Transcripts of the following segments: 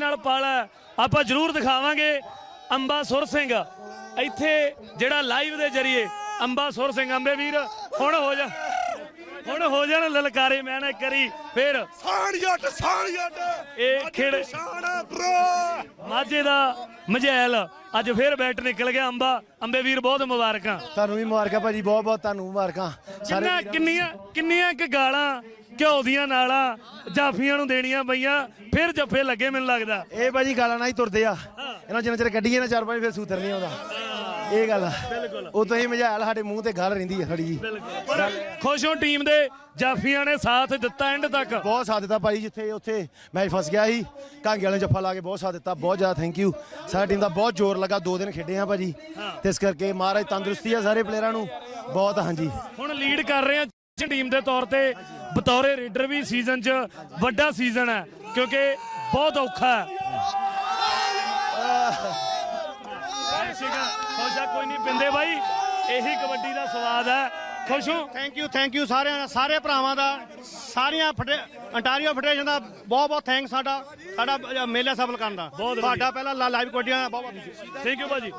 नाल पाला आपां जरूर दिखावांगे। अंबा सुर सिंह इत्थे जिहड़ा लाइव दे जरिए अंबा सुर सिंह अंबे वीर हुण हो जाण ललकारे। मैं ना करी फिर ਇਹ ਖੇਡ ਮਾਝੇ ਦਾ ਮਝੈਲ ਅੱਜ ਫਿਰ ਬੈਟ ਨਿਕਲ ਗਿਆ। ਅੰਬੇ ਵੀਰ ਬਹੁਤ ਮੁਬਾਰਕਾਂ। ਤੁਹਾਨੂੰ ਵੀ ਮੁਬਾਰਕਾਂ ਭਾਜੀ, ਬਹੁਤ ਬਹੁਤ ਤੁਹਾਨੂੰ ਮੁਬਾਰਕਾਂ। ਕਿੰਨੀਆਂ ਕਿ ਗਾਲਾਂ ਘਿਓ ਦੀਆਂ ਨਾਲਾਂ ਜਾਫੀਆਂ ਨੂੰ ਦੇਣੀਆਂ ਪਈਆਂ, ਫਿਰ ਜੱਫੇ ਲੱਗੇ ਮੈਨੂੰ ਲੱਗਦਾ। ਇਹ ਭਾਜੀ ਗਾਲਾਂ ਨਾਲ ਹੀ ਤੁਰਦੇ ਆ, ਇਹਨਾਂ ਜਿੰਨਾ ਚਿਰ ਕੱਢੀਏ ਨਾ 4-5 ਫਿਰ ਸੂਤਰ ਨਹੀਂ ਆਉਂਦਾ। ਇਹ ਗੱਲ ਆ, ਉਹ ਤੁਸੀਂ ਮਝਾਲ ਸਾਡੇ ਮੂੰਹ ਤੇ ਗੱਲ ਰਹਿੰਦੀ ਆ ਥੋੜੀ ਜੀ। ਖੁਸ਼ ਹੋ ਟੀਮ ਦੇ ਜਾਫੀਆਂ ਨੇ ਸਾਥ ਦਿੱਤਾ ਐਂਡ ਤੱਕ? ਬਹੁਤ ਸਾਥ ਦਿੱਤਾ ਭਾਈ, ਜਿੱਥੇ ਉੱਥੇ ਮੈਚ ਫਸ ਗਿਆ ਸੀ ਕਾਂਗੇ ਵਾਲੇ ਜੱਫਾ ਲਾ ਕੇ ਬਹੁਤ ਸਾਥ ਦਿੱਤਾ। ਬਹੁਤ ਜ਼ਿਆਦਾ ਥੈਂਕ ਯੂ। ਸਾਡੀ ਟੀਮ ਦਾ ਬਹੁਤ ਜ਼ੋਰ ਲੱਗਾ, 2 ਦਿਨ ਖੇਡੇ ਆ ਭਾਜੀ, ਤੇ ਇਸ ਕਰਕੇ ਮਹਾਰਾਜ ਤੰਦਰੁਸਤੀ ਆ ਸਾਰੇ ਪਲੇਅਰਾਂ ਨੂੰ ਬਹੁਤ। ਹਾਂਜੀ ਹੁਣ ਲੀਡ ਕਰ ਰਹੇ ਆ ਟੀਮ ਦੇ ਤੌਰ ਤੇ ਬਤੌਰੇ ਰੇਡਰ ਵੀ। ਸੀਜ਼ਨ 'ਚ ਵੱਡਾ ਸੀਜ਼ਨ ਹੈ ਕਿਉਂਕਿ ਬਹੁਤ ਔਖਾ ਹੈ। ਕੋਈ ਨਹੀਂ ਪਿੰਦੇ ਬਾਈ, ਇਹੀ ਕਬੱਡੀ ਦਾ ਸਵਾਦ ਹੈ। ਖੁਸ਼ ਹੋ? ਥੈਂਕ ਯੂ ਸਾਰਿਆਂ ਸਾਰੇ ਭਰਾਵਾਂ ਦਾ, ਸਾਰੀਆਂ ਅੰਟਾਰੀਓ ਫੈਡਰੇਸ਼ਨ ਦਾ ਬਹੁਤ ਬਹੁਤ ਥੈਂਕ। ਸਾਡਾ ਮੇਲਾ ਸਫਲ ਕਰਨ ਦਾ ਤੁਹਾਡਾ ਪਹਿਲਾਂ ਲਾਈਵ ਕਬੱਡੀਆਂ ਦਾ ਬਹੁਤ ਬਹੁਤ ਥੈਂਕ ਯੂ ਭਾਜੀ।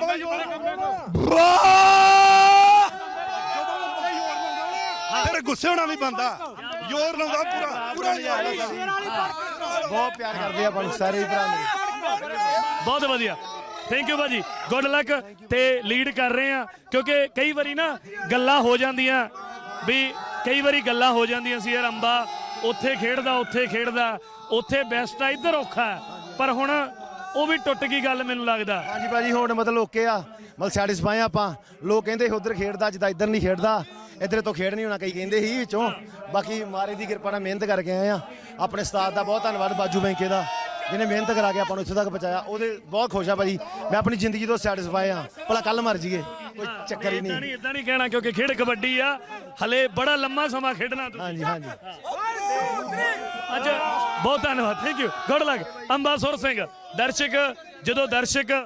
ਫਿਰ ਗੁੱਸੇ ਹੋਣਾ ਵੀ ਬੰਦਾ, ਜ਼ੋਰ ਲਾਉਂਦਾ ਪੂਰਾ ਬਹੁਤ ਪਿਆਰ ਕਰਦੇ ਆ ਆਪਾਂ ਨੂੰ ਸਾਰੇ ਭਰਾ ਮੇਰੇ। ਬਹੁਤ ਵਧੀਆ, ਥੈਂਕ ਯੂ ਭਾਜੀ, ਗੁੱਡ ਲੱਕ। ਤੇ ਲੀਡ ਕਰ ਰਹੇ ਆ ਕਿਉਂਕਿ ਕਈ ਵਾਰੀ ਨਾ ਗੱਲਾਂ ਹੋ ਜਾਂਦੀਆਂ ਵੀ, ਕਈ ਵਾਰੀ ਗੱਲਾਂ ਹੋ ਜਾਂਦੀਆਂ ਸੀ ਯਾਰ ਅੰਬਾ ਉੱਥੇ ਖੇਡਦਾ ਉੱਥੇ ਬੈਸਟ ਆ, ਇੱਧਰ ਔਖਾ ਹੈ। ਪਰ ਹੁਣ ਉਹ ਵੀ ਟੁੱਟ ਗਈ ਗੱਲ ਮੈਨੂੰ ਲੱਗਦਾ। ਹਾਂਜੀ ਭਾਜੀ ਹੁਣ ਮਤਲਬ ਓਕੇ ਆ, ਮਤਲਬ ਸੈਟਿਸਫਾਈ ਆਪਾਂ। ਲੋਕ ਕਹਿੰਦੇ ਉੱਧਰ ਖੇਡਦਾ ਜਿੱਦਾਂ ਇੱਧਰ ਨਹੀਂ ਖੇਡਦਾ, ਇੱਧਰ ਤੋਂ ਖੇਡ ਨਹੀਂ ਹੋਣਾ ਕਈ ਕਹਿੰਦੇ ਸੀ ਵਿੱਚੋਂ। ਬਾਕੀ ਮਾਰੇ ਦੀ ਕਿਰਪਾ ਨਾਲ ਮਿਹਨਤ ਕਰਕੇ ਆਏ ਆ। ਆਪਣੇ ਉਸਤਾਦ ਦਾ ਬਹੁਤ ਧੰਨਵਾਦ ਬਾਜੂ ਬੈਂਕੇ ਦਾ, ਜਿਹਨੇ ਮਿਹਨਤ ਕਰਾ ਕੇ ਆਪਾਂ ਨੂੰ ਇੱਥੇ ਤੱਕ ਪਹੁੰਚਾਇਆ। ਉਹਦੇ ਬਹੁਤ ਖੁਸ਼ ਆ ਭਾਜੀ, ਮੈਂ ਆਪਣੀ ਜ਼ਿੰਦਗੀ ਤੋਂ ਸੈਟਿਸਫਾਈ ਆ। ਭਲਾ ਕੱਲ ਮਰ ਜਾਈਏ ਕੋਈ ਚੱਕਰ ਹੀ ਨਹੀਂ। ਇਦਾਂ ਨਹੀਂ ਕਹਿਣਾ ਕਿਉਂਕਿ ਖੇਡ ਕਬੱਡੀ ਆ, ਹਲੇ ਬੜਾ ਲੰਮਾ ਸਮਾਂ ਖੇਡਣਾ ਤੁਸੀਂ। ਹਾਂਜੀ ਅੱਜ ਬਹੁਤ ਧੰਨਵਾਦ, ਥੈਂਕ ਯੂ, ਗੁੱਡ ਲੱਕ। ਅੰਬਾ ਸੁਰ ਸਿੰਘ ਦਰਸ਼ਕ ਜਦੋਂ ਦਰਸ਼ਕ